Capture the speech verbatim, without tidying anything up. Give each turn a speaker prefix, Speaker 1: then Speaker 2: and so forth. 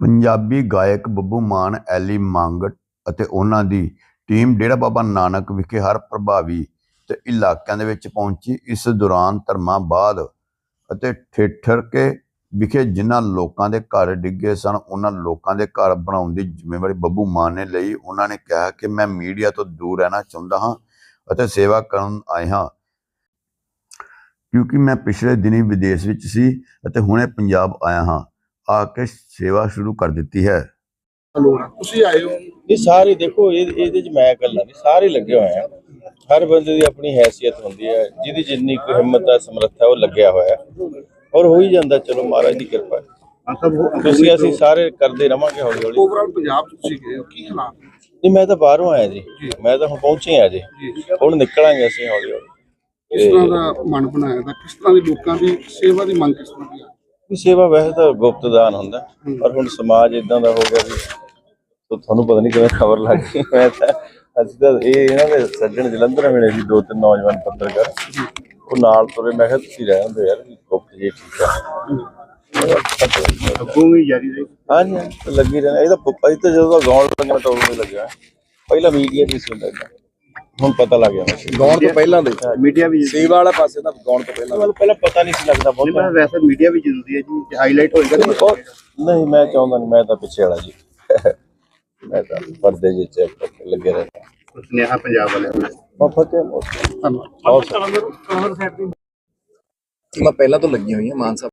Speaker 1: ਪੰਜਾਬੀ ਗਾਇਕ ਬੱਬੂ ਮਾਨ, ਐਲੀ ਮੰਗ ਅਤੇ ਉਹਨਾਂ ਦੀ ਟੀਮ ਡੇਰਾ ਬਾਬਾ ਨਾਨਕ ਵਿਖੇ ਹਰ ਪ੍ਰਭਾਵੀ ਤੇ ਇਲਾਕਿਆਂ ਦੇ ਵਿੱਚ ਪਹੁੰਚੀ। ਇਸ ਦੌਰਾਨ ਧਰਮਾਬਾਦ ਅਤੇ ਠੇਠਰਕੇ ਵਿਖੇ ਜਿਨ੍ਹਾਂ ਲੋਕਾਂ ਦੇ ਘਰ ਡਿੱਗੇ ਸਨ, ਉਹਨਾਂ ਲੋਕਾਂ ਦੇ ਘਰ ਬਣਾਉਣ ਦੀ ਜ਼ਿੰਮੇਵਾਰੀ ਬੱਬੂ ਮਾਨ ਨੇ ਲਈ। ਉਹਨਾਂ ਨੇ ਕਿਹਾ ਕਿ ਮੈਂ ਮੀਡੀਆ ਤੋਂ ਦੂਰ ਰਹਿਣਾ ਚਾਹੁੰਦਾ ਹਾਂ ਅਤੇ ਸੇਵਾ ਕਰਨ ਆਏ ਹਾਂ, ਕਿਉਂਕਿ ਮੈਂ ਪਿਛਲੇ ਦਿਨੀਂ ਵਿਦੇਸ਼ ਵਿੱਚ ਸੀ ਅਤੇ ਹੁਣੇ ਪੰਜਾਬ ਆਇਆ ਹਾਂ, ਆ ਕੇ ਸੇਵਾ ਸ਼ੁਰੂ ਕਰ ਦਿੱਤੀ ਹੈ।
Speaker 2: ਤੁਸੀਂ ਆਏ ਹੋ?
Speaker 3: ਇਹ ਸਾਰੇ ਦੇਖੋ, ਇਹਦੇ ਚ ਮੈਂ ਇਕੱਲਾ ਨਹੀਂ, ਸਾਰੇ ਲੱਗੇ ਹੋਏ ਆ। ਹਰ ਬੰਦੇ ਦੀ ਆਪਣੀ ਹੈਸੀਅਤ ਹੁੰਦੀ ਹੈ, ਜਿਹਦੀ ਜਿੰਨੀ ਕੋਈ ਹਿੰਮਤ ਹੈ, ਸਮਰੱਥਾ, ਉਹ ਲੱਗਿਆ ਹੋਇਆ ਔਰ ਹੋ ਹੀ ਜਾਂਦਾ। ਚਲੋ ਮਹਾਰਾਜ ਦੀ ਕਿਰਪਾ ਹੈ। ਤੁਸੀਂ ਅਸੀਂ ਸਾਰੇ ਕਰਦੇ ਰਵਾਂਗੇ ਹੌਲੀ ਹੌਲੀ।
Speaker 2: ਓਵਰਆਲ ਪੰਜਾਬ ਤੁਸੀਂ ਗਏ ਹੋ, ਕੀ ਹਾਲਾਤ?
Speaker 3: ਨਹੀਂ, ਮੈਂ ਤਾਂ ਬਾਹਰੋਂ ਆਇਆ ਜੀ, ਮੈਂ ਤਾਂ ਹੁਣ ਪਹੁੰਚੇ ਆ ਜੀ, ਹੁਣ ਨਿਕਲਾਂਗੇ ਅਸੀਂ ਹੌਲੀ ਹੌਲੀ।
Speaker 2: ਕਿਸ ਤਰ੍ਹਾਂ ਦਾ ਮਨ ਬਣਾਇਆ ਤਾਂ ਕਿਸ ਤਰ੍ਹਾਂ ਦੀ ਲੋਕਾਂ ਦੀ ਸੇਵਾ ਦੀ ਮੰਗ ਕਿਸ ਤਰ੍ਹਾਂ ਦੀ ਆ?
Speaker 3: ਸੇਵਾ ਵੈਸੇ ਤਾਂ ਗੁਪਤ ਦਾਨ ਹੁੰਦਾ, ਪਰ ਹੁਣ ਸਮਾਜ ਇਦਾਂ ਦਾ ਹੋ ਗਿਆ ਵੀ ਤੁਹਾਨੂੰ ਪਤਾ ਨਹੀਂ ਕਿਵੇਂ ਖਬਰ ਲੱਗ ਗਈ। ਮੈਂ ਤਾਂ ਅਸੀਂ ਤਾਂ ਇਹ ਇਹਨਾਂ ਦੇ ਸੱਜਣ ਜਲੰਧਰ ਮਿਲੇ ਸੀ, ਦੋ ਤਿੰਨ ਨੌਜਵਾਨ ਪੱਤਰਕਾਰ, ਉਹ ਨਾਲ ਤੁਰੇ। ਮੈਂ ਕਿਹਾ ਤੁਸੀਂ ਰਹਿ ਹੁੰਦੇ ਯਾਰ, ਗੁਪਤ ਜੀ ਠੀਕ ਆ।
Speaker 2: ਅੱਗੋਂ ਵੀ ਜਾਰੀ ਰਹੀ?
Speaker 3: ਹਾਂਜੀ, ਲੱਗੀ ਰਹਿਣਾ। ਇਹ ਤਾਂ ਅਸੀਂ ਤਾਂ ਜਦੋਂ ਦਾ ਗਾਉਣ ਲੱਗਣਾ ਤਾਂ ਉਦੋਂ ਲੱਗਿਆ, ਪਹਿਲਾਂ ਮੀਡੀਆ ਦੀ ਸੀ, ਹੁਣ ਪਤਾ ਲੱਗ ਗਿਆ।
Speaker 4: ਗਾਉਣ ਤੋਂ ਪਹਿਲਾਂ ਦੇ
Speaker 2: ਮੀਡੀਆ ਵੀ
Speaker 4: ਸੇਵਾ ਵਾਲਾ ਪਾਸੇ ਤਾਂ ਗਾਉਣ ਤੋਂ ਪਹਿਲਾਂ
Speaker 3: ਮਤਲਬ ਪਹਿਲਾਂ ਪਤਾ ਨਹੀਂ ਸੀ ਲੱਗਦਾ ਬਹੁਤ।
Speaker 2: ਮੈਂ ਵੈਸੇ ਮੀਡੀਆ ਵੀ ਜ਼ਰੂਰੀ ਹੈ ਜੀ, ਹਾਈਲਾਈਟ ਹੋਏਗਾ
Speaker 3: ਨਹੀਂ, ਮੈਂ ਚਾਹੁੰਦਾ ਨਹੀਂ, ਮੈਂ ਤਾਂ ਪਿੱਛੇ ਵਾਲਾ ਜੀ, ਮੈਂ ਤਾਂ ਪਰਦੇ ਜਿਹੇ ਚ ਲੱਗੇ ਰਹਿੰਦਾ।
Speaker 2: ਸੁਨੇਹਾ ਪੰਜਾਬ ਵਾਲਿਆਂ ਨੂੰ।
Speaker 3: ਬਹੁਤ
Speaker 4: ਮੈਂ ਪਹਿਲਾਂ ਤੋਂ ਲੱਗੀ ਹੋਈ ਹੈ ਮਾਨ ਸਾਹਿਬ